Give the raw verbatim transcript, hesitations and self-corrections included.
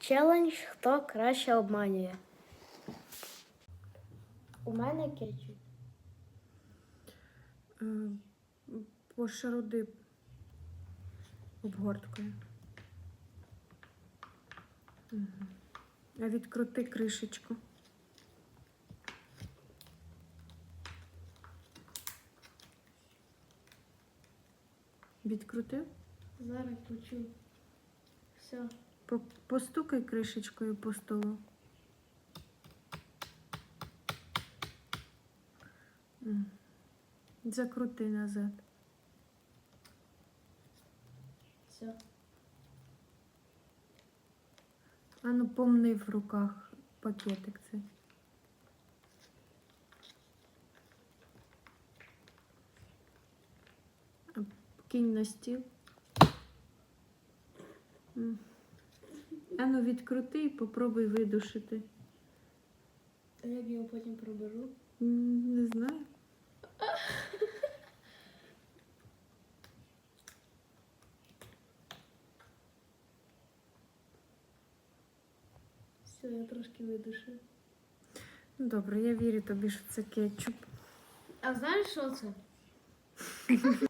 Челендж, хто краще обманює. У мене кетчуп. Е, Пошаруди обгорткою. Угу. А відкрути кришечку. Відкрутив? Зараз почу. Все. По- Постукай кришечкою по столу. М. Закрути назад. Все. А ну помни в руках пакетик цей. А кинь на стіл. М. А ну відкрути і попробуй видушити. А як я його потім проберу? М, Не знаю. Все, я трошки видушу. Ну добре, я вірю тобі, що це кетчуп. А знаєш, що це?